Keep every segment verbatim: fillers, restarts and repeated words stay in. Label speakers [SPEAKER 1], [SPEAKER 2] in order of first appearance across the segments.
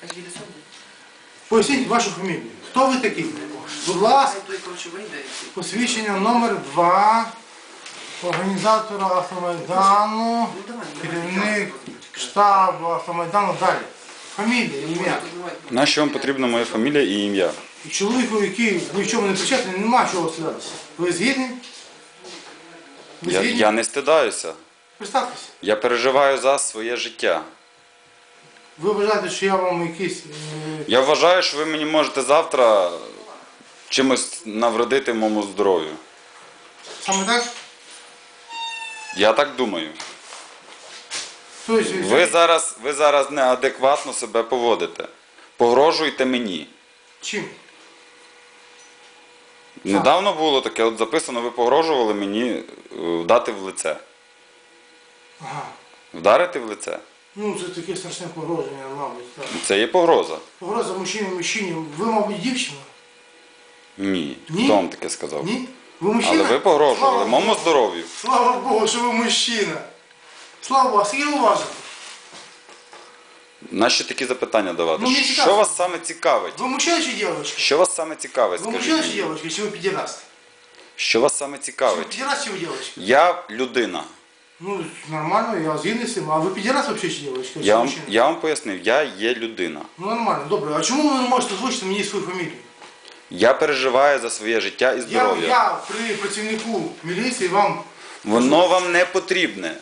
[SPEAKER 1] Поясніть вашу фамілію. Хто ви такий? Будь ласка, посвідчення номер два організатора Автомайдану, керівник штабу Автомайдану, далі. Фамілія, ім'я.
[SPEAKER 2] Нащо вам потрібна моя фамілія і ім'я?
[SPEAKER 1] І чоловіку, який ні в чому не причетний, нема чого стидатися. Ви згідні? Ви
[SPEAKER 2] Я,
[SPEAKER 1] згідні?
[SPEAKER 2] я не стидаюся.
[SPEAKER 1] Представтеся.
[SPEAKER 2] Я переживаю за своє життя.
[SPEAKER 1] Ви вважаєте, що я вам якийсь... Е...
[SPEAKER 2] Я вважаю, що ви мені можете завтра чимось навредити моєму здоров'ю.
[SPEAKER 1] Саме так?
[SPEAKER 2] Я так думаю.
[SPEAKER 1] Тобто,
[SPEAKER 2] Ви зараз, ви зараз неадекватно себе поводите. Погрожуєте мені.
[SPEAKER 1] Чим?
[SPEAKER 2] Недавно було таке, от записано, ви погрожували мені вдати в лице.
[SPEAKER 1] Ага.
[SPEAKER 2] Вдарити в лице?
[SPEAKER 1] Ну, це таке страшне погроження, мабуть. Так.
[SPEAKER 2] Це є погроза.
[SPEAKER 1] Погроза мужчині мужчині. Ви, мабуть, дівчина?
[SPEAKER 2] Ні.
[SPEAKER 1] Ні?
[SPEAKER 2] Хто вам таке сказав?
[SPEAKER 1] Ні? Ви мужчина?
[SPEAKER 2] Але ви погрожували
[SPEAKER 1] Слава
[SPEAKER 2] моєму
[SPEAKER 1] Богу.
[SPEAKER 2] здоров'ю.
[SPEAKER 1] Слава Богу, що ви мужчина. Слава Богу, а скільки ви важите?
[SPEAKER 2] Нащо такі запитання давати?
[SPEAKER 1] Ну, мені
[SPEAKER 2] Що
[SPEAKER 1] цікаво.
[SPEAKER 2] вас саме цікавить?
[SPEAKER 1] Ви мужчина чи дівчинка?
[SPEAKER 2] Що вас саме цікавить,
[SPEAKER 1] Ви
[SPEAKER 2] скажіть
[SPEAKER 1] мужчина чи
[SPEAKER 2] мені?
[SPEAKER 1] дівчинка, чи ви підіраст?
[SPEAKER 2] Що вас саме
[SPEAKER 1] Чи ви
[SPEAKER 2] цікавить?
[SPEAKER 1] підіраст, чи ви дівчинка?
[SPEAKER 2] Я людина.
[SPEAKER 1] Ну, нормально, я згідний з цим. А ви підіраст взагалі чи дівчинка?
[SPEAKER 2] Я вам, я вам пояснив, я є людина.
[SPEAKER 1] Ну, нормально, добре. А чому ви не можете озвучити мені свою фамілію?
[SPEAKER 2] Я переживаю за своє життя і
[SPEAKER 1] Я,
[SPEAKER 2] здоров'я.
[SPEAKER 1] я при працівнику міліції вам...
[SPEAKER 2] Воно вам не потрібне.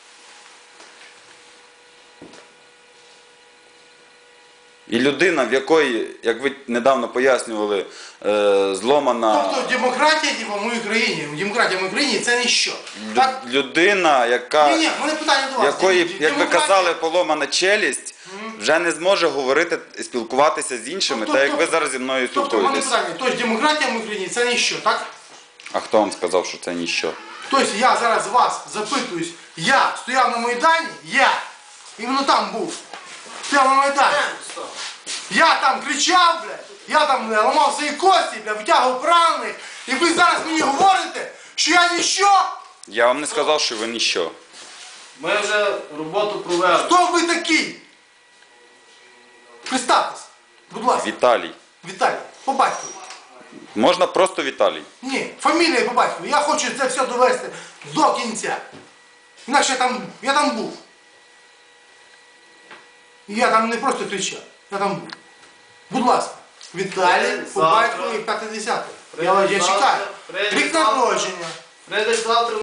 [SPEAKER 2] І людина, в якої, як ви недавно пояснювали, е, зломана...
[SPEAKER 1] Тобто демократія типу, в моїй країні, демократія в моїй країні це ніщо. Так?
[SPEAKER 2] Людина, яка,
[SPEAKER 1] Ні, ні, в мене питання до вас.
[SPEAKER 2] якої, як ви
[SPEAKER 1] Демократія-
[SPEAKER 2] казали, поломана челюсть, вже не зможе говорити і спілкуватися з іншими,
[SPEAKER 1] Тобто-
[SPEAKER 2] так як ви
[SPEAKER 1] тобто-
[SPEAKER 2] зараз зі мною
[SPEAKER 1] Тобто, в мене
[SPEAKER 2] спілкуєтесь.
[SPEAKER 1] питання, тобто демократія в моїй країні це ніщо, так?
[SPEAKER 2] А хто вам сказав, що це ніщо?
[SPEAKER 1] Тобто я зараз вас запитуюсь, я стояв на Майдані, я, іменно там був, стояв на Майдані. Я там кричав, блядь, я там бля, ламав свої кості, бля, витягував поранених, і ви зараз мені говорите, що я ніщо?
[SPEAKER 2] Я вам не сказав, що ви ніщо.
[SPEAKER 3] Ми вже роботу провели.
[SPEAKER 1] Хто ви такий? Представтесь, будь ласка,
[SPEAKER 2] Віталій.
[SPEAKER 1] Віталій, по батькові.
[SPEAKER 2] Можна просто Віталій.
[SPEAKER 1] Ні, фамілія по батькові. Я хочу це все довести до кінця. Інакше я там, я там був. І я там не просто кричав, я там був. Будь ласка, Віталій, по
[SPEAKER 3] Завтра.
[SPEAKER 1] батькові п'ятдесят. Я, я чекаю.
[SPEAKER 3] Прийде
[SPEAKER 1] Рік
[SPEAKER 3] завтра.
[SPEAKER 1] народження.
[SPEAKER 3] Прийдеш завтра.